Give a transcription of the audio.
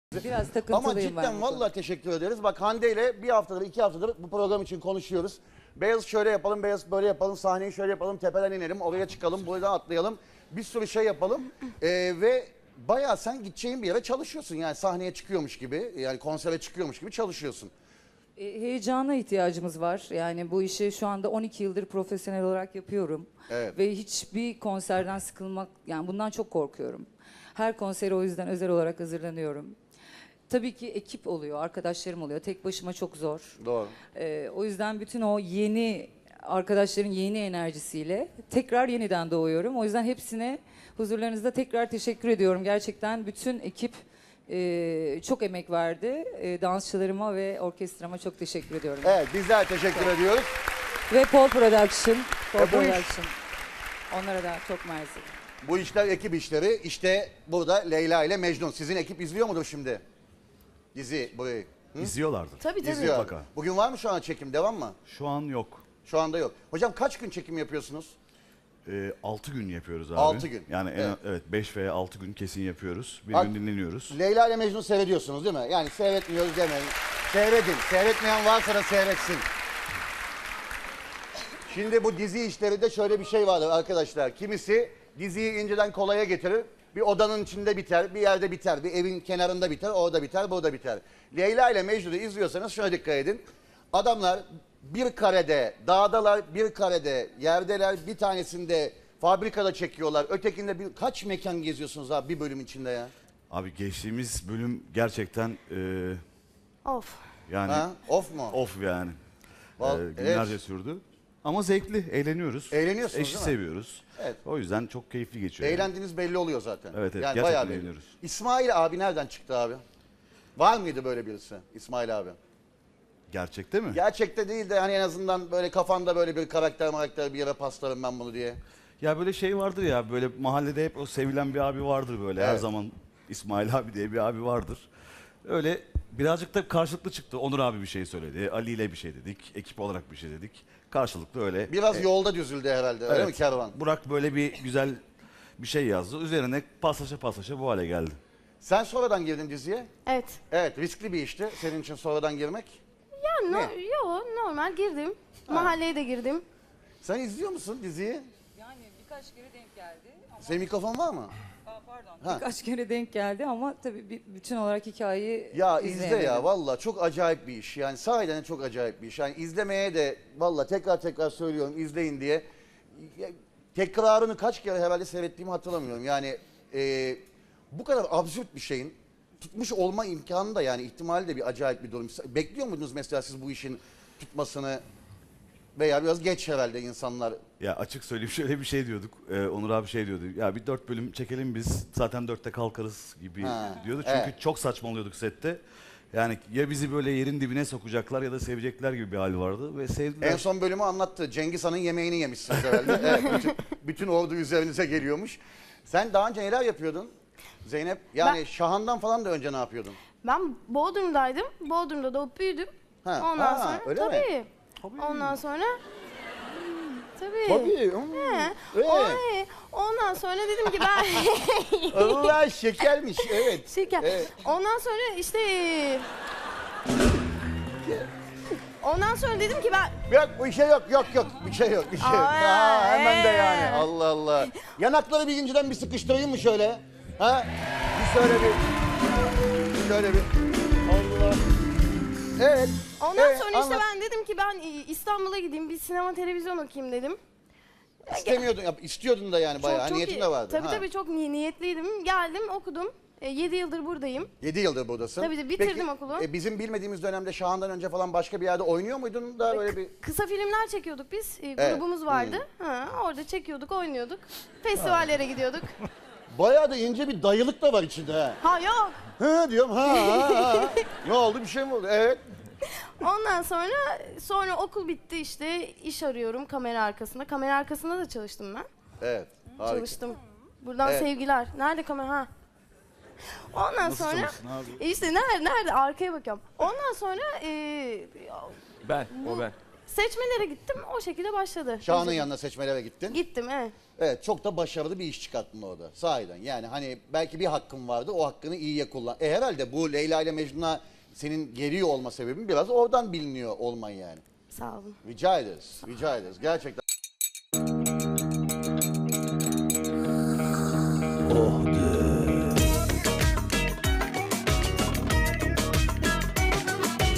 Biraz takıntılıyım Ama ben cidden bu vallahi teşekkür ederiz. Bak Hande ile bir haftadır, 2 haftadır bu program için konuşuyoruz. Beyaz şöyle yapalım, beyaz böyle yapalım, sahneyi şöyle yapalım, tepeden inelim, oraya çıkalım, buradan atlayalım. Bir sürü şey yapalım. Ve bayağı sen gideceğin bir yere çalışıyorsun. Yani sahneye çıkıyormuş gibi, yani konsere çıkıyormuş gibi çalışıyorsun. Heyecana ihtiyacımız var. Yani bu işi şu anda 12 yıldır profesyonel olarak yapıyorum. Evet. Ve hiçbir konserden sıkılmak, yani bundan çok korkuyorum. Her konsere o yüzden özel olarak hazırlanıyorum. Tabii ki ekip oluyor, arkadaşlarım oluyor. Tek başıma çok zor. Doğru. O yüzden bütün o yeni arkadaşların yeni enerjisiyle tekrar yeniden doğuyorum. O yüzden hepsine huzurlarınızda tekrar teşekkür ediyorum. Gerçekten bütün ekip çok emek verdi. Dansçılarıma ve orkestrama çok teşekkür ediyorum. Evet, bizler teşekkür ediyoruz. Ve Pol Production. Pol bu iş- Production. Onlara da çok mersi. Bu işler ekip işleri. İşte burada Leyla ile Mecnun. Sizin ekip izliyor mudur şimdi? Dizi burayı. İzliyorlardı. Tabii tabii. İzliyor. Mutlaka. Bugün var mı şu an çekim? Devam mı? Şu an yok. Şu anda yok. Hocam kaç gün çekim yapıyorsunuz? 6 gün yapıyoruz abi. 6 gün. Yani Evet. evet 5 veya 6 gün kesin yapıyoruz. Bir Bak- gün dinleniyoruz. Leyla ile Mecnun seyrediyorsunuz değil mi? Yani seyretmiyoruz demeyin. Seyredin. Seyretmeyen varsa da seyretsin. Şimdi bu dizi işleri de şöyle bir şey vardır arkadaşlar. Kimisi diziyi inceden kolaya getirir. Bir odanın içinde biter, bir yerde biter, bir evin kenarında biter, orada biter, burada biter. Leyla ile Mecnun'u izliyorsanız şuna dikkat edin. Adamlar bir karede, dağdalar, bir karede, yerdeler, bir tanesinde fabrikada çekiyorlar. Ötekinde kaç mekan geziyorsunuz abi bir bölüm içinde ya? Abi geçtiğimiz bölüm gerçekten Of. yani Ha? Of mu? off yani. Val- Günlerce evet. sürdü. Ama zevkli, eğleniyoruz. Eğleniyorsunuz Eşi değil mi? seviyoruz. Evet. O yüzden çok keyifli geçiyor. yani. Eğlendiğiniz belli oluyor zaten. Evet, evet, Yani gerçekten bayağı belli. eğleniyoruz. İsmail abi nereden çıktı abi? Var mıydı böyle birisi İsmail abi? Gerçekte mi? Gerçekte değil de hani en azından böyle kafanda böyle bir karakter bir yere paslarım ben bunu diye. Ya böyle şey vardır ya, böyle mahallede hep o sevilen bir abi vardır böyle. Her Evet. zaman İsmail abi diye bir abi vardır. Öyle birazcık da karşılıklı çıktı. Onur abi bir şey söyledi. Ali ile bir şey dedik. Ekip olarak bir şey dedik. Karşılıklı öyle. Biraz yolda düzüldü herhalde öyle mi kervan? Burak böyle bir güzel bir şey yazdı. Üzerine paslaşa bu hale geldi. Sen sonradan girdin diziye. Evet. Evet, riskli bir işti senin için sonradan girmek. Ya Ne? yo normal girdim. Mahalleye de girdim. Sen izliyor musun diziyi? Yani birkaç kere denk geldi. Senin mikrofon var mı? Pardon. Ha. Birkaç kere denk geldi ama tabii bütün olarak hikayeyi Ya izle izleyemedim. ya valla çok acayip bir iş. Yani sahiden çok acayip bir iş. Yani izlemeye de valla tekrar söylüyorum izleyin diye. Ya, tekrarını kaç kere herhalde seyrettiğimi hatırlamıyorum. Yani bu kadar absürt bir şeyin tutmuş olma imkanı da yani ihtimali de bir acayip bir durum. Bekliyor muydunuz mesela siz bu işin tutmasını veya biraz geç herhalde insanlar. Ya açık söyleyeyim şöyle bir şey diyorduk. Onur abi şey diyordu. Ya bir 4 bölüm çekelim biz. Zaten 4'te kalkarız gibi Ha, diyordu. Çünkü evet. çok saçmalıyorduk sette. Yani ya bizi böyle yerin dibine sokacaklar ya da sevecekler gibi bir hal vardı ve sevdiler. En son bölümü anlattı. Cengiz Han'ın yemeğini yemişsiniz herhalde. Evet, bütün ordu üzerinize geliyormuş. Sen daha önce neler yapıyordun Zeynep? Yani Şahan'dan falan da önce ne yapıyordun? Ben Bodrum'daydım. Bodrum'da doğup büyüdüm. Ha, Ondan ha, sonra öyle mi? tabii. Ondan sonra tabii. Tabii. Ondan sonra dedim ki ben Allah şekermiş. Evet. şeker. Evet. Ondan sonra işte ondan sonra dedim ki ben Yok bir şey yok. Bir şey yok. Hemen de yani. Allah Allah. Yanakları bir inciden bir sıkıştırayım mı şöyle? Ha? Bir şöyle bir. Allah. Evet. ondan evet, sonra işte anlat. ben dedim ki ben İstanbul'a gideyim bir sinema televizyon okuyayım dedim. İstemiyordun, istiyordun da yani bayağı. Niyetin de vardı. Tabii tabii çok niyetliydim. Geldim okudum. 7 yıldır buradayım. 7 yıldır buradasın. Tabii de bitirdim Peki, okulu. Bizim bilmediğimiz dönemde Şahan'dan önce falan başka bir yerde oynuyor muydun da böyle bir... Kısa filmler çekiyorduk biz. Evet. Grubumuz vardı. Ha, orada çekiyorduk, oynuyorduk. Festivallere gidiyorduk. Bayağı da ince bir dayılık da var içinde ha. Ha yok. Hı diyorum ha. Ne oldu bir şey mi oldu? Evet. Ondan sonra okul bitti işte iş arıyorum kamera arkasında. Kamera arkasında da çalıştım ben. Evet. Harika. Çalıştım. Buradan Evet. sevgiler. Nerede kamera? Ha. Ondan Nasıl sonra çalıştın abi? işte nerede arkaya bakıyorum. Ondan sonra Ben, o ben. Seçmelere gittim, o şekilde başladı. Şahan'ın yanına seçmelere gittin. Gittim, evet. Evet, çok da başarılı bir iş çıkarttın orada sahiden. Yani hani belki bir hakkın vardı, o hakkını iyiye kullan. Herhalde bu Leyla ile Mecnun'a senin geliyor olma sebebin biraz oradan biliniyor olman yani. Sağ olun. Rica ederiz, rica ederiz. Gerçekten.